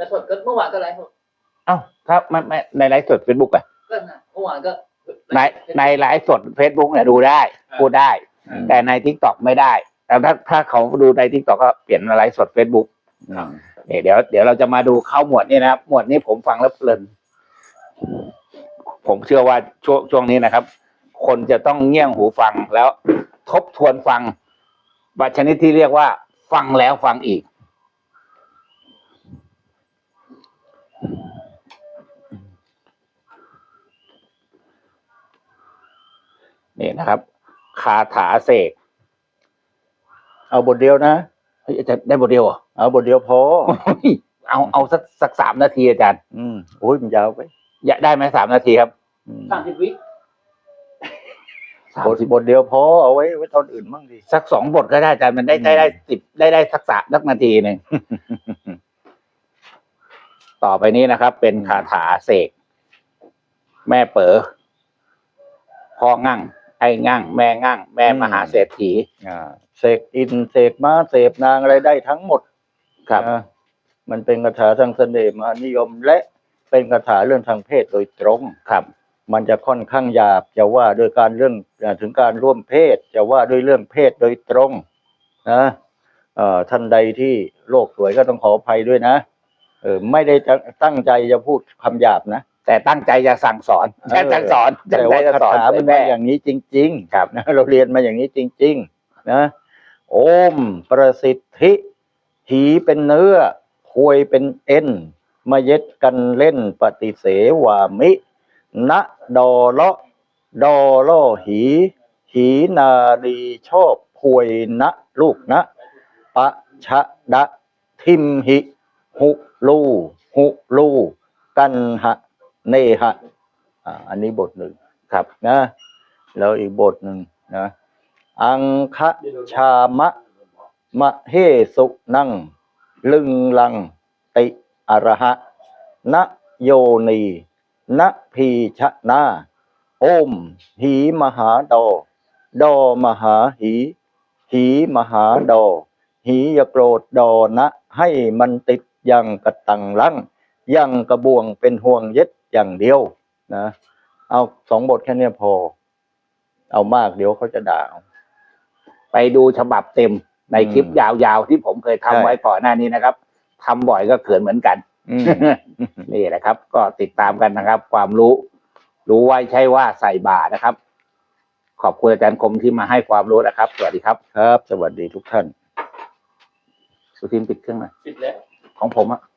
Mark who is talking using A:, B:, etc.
A: แล้วสดก็เมื่อวานก็ไลฟ์สด
B: เอ้าถ้าไม่ในไลฟ์สดเฟซบุ๊กอะ
A: ก็นะเมื่อวานก็
B: ในไลฟ์สดเฟซบุ๊กเนี่ยดูได้พูดได้แต่ในทิกตอกไม่ได้แต่ถ้าเขาดูในทิกตอกก็เปลี่ยนมาไลฟ์สดเฟซบุ๊กเดี๋ยวเราจะมาดูเข้าหมวดนี้นะครับหมวดนี้ผมฟังแล้วเพลินผมเชื่อว่าช่วงนี้นะครับคนจะต้องเงี่ยงหูฟังแล้วทบทวนฟังบัชนิดที่เรียกว่าฟังแล้วฟังอีกนี่นะครับคาถาเสก
C: เอาบทเดียวนะ
B: จะได้บทเดียวเหรอ
C: เอาบทเดียวพอ
B: เอาสัก3 นาทีอาจารย์
C: โอ้ยมันยาวไป
B: อยากได้ไหม3 นาทีครับ
A: 30 วิ
C: บทเดียวพอเอาไว้ตอนอื่นบ้างดิ
B: สัก2 บทก็ได้อาจารย์มันได้10ได้สักนาทีหนึ่ง ต่อไปนี้นะครับ เป็นคาถาเสกแม่เป๋อพ่องั่งไอ้งั่งแม่งั่งแม่มหาเศรษฐี
C: เสกอินเสกม้าเสกนางอะไรได้ทั้งหมด
B: ครับ
C: มันเป็นคาถาทางเสน่ห์มหานิยมและเป็นคาถาเรื่องทางเพศโดยตรง
B: ครับ
C: มันจะค่อนข้างหยาบจะว่าโดยการเรื่องถึงการร่วมเพศจะว่าด้วยเรื่องเพศโดยตรงนะท่านใดที่โลกสวยก็ต้องขออภัยด้วยนะไม่ได้จะตั้งใจจะพูดคำหยาบนะ
B: แต่ตั้งใจจะสั่งสอน
C: แต่ว่าคาถามันมาอย่างนี้จริงๆครับนะเราเรียนมาอย่างนี้จริงๆนะโอมประสิทธิหีเป็นเนื้อควยเป็นเอ็นมาเย็ดกันเล่นปฏิเสวามิณดอเลาะดอล่อหีนาดีชอบควยนะลูกนะปะชะดะทิมหิหุลูกันหะเนหะอันนี้บทหนึ่ง
B: ครับ
C: นะแล้วอีกบทหนึ่งนะอังคะชามะมะเฮสุนังลึงลังติอรหะนะโยนีนะพีชะนาโอมหีมหาดอมหาหีมหาดอหีอย่าโกรธดอนะให้มันติดยังกระตังลังยังกระบวงเป็นห่วงเย็ดอย่างเดียวนะเอา2 บทแค่นี้พอเอามากเดี๋ยวเขาจะด่า
B: ไปดูฉบับเต็มในคลิปยาวๆที่ผมเคยทำไว้ก่อนหน้านี้นะครับทำบ่อยก็เขินเหมือนกันนี่แหละครับก็ติดตามกันนะครับความรู้ไว้ใช่ว่าใส่บาตรนะครับขอบคุณอาจารย์คมที่มาให้ความรู้นะครับสวัสดีครับ
C: ครับสวัสดีทุกท่าน
B: สุทินปิดเครื่องหน่อย
A: ปิดแล้ว
B: ของผมอะ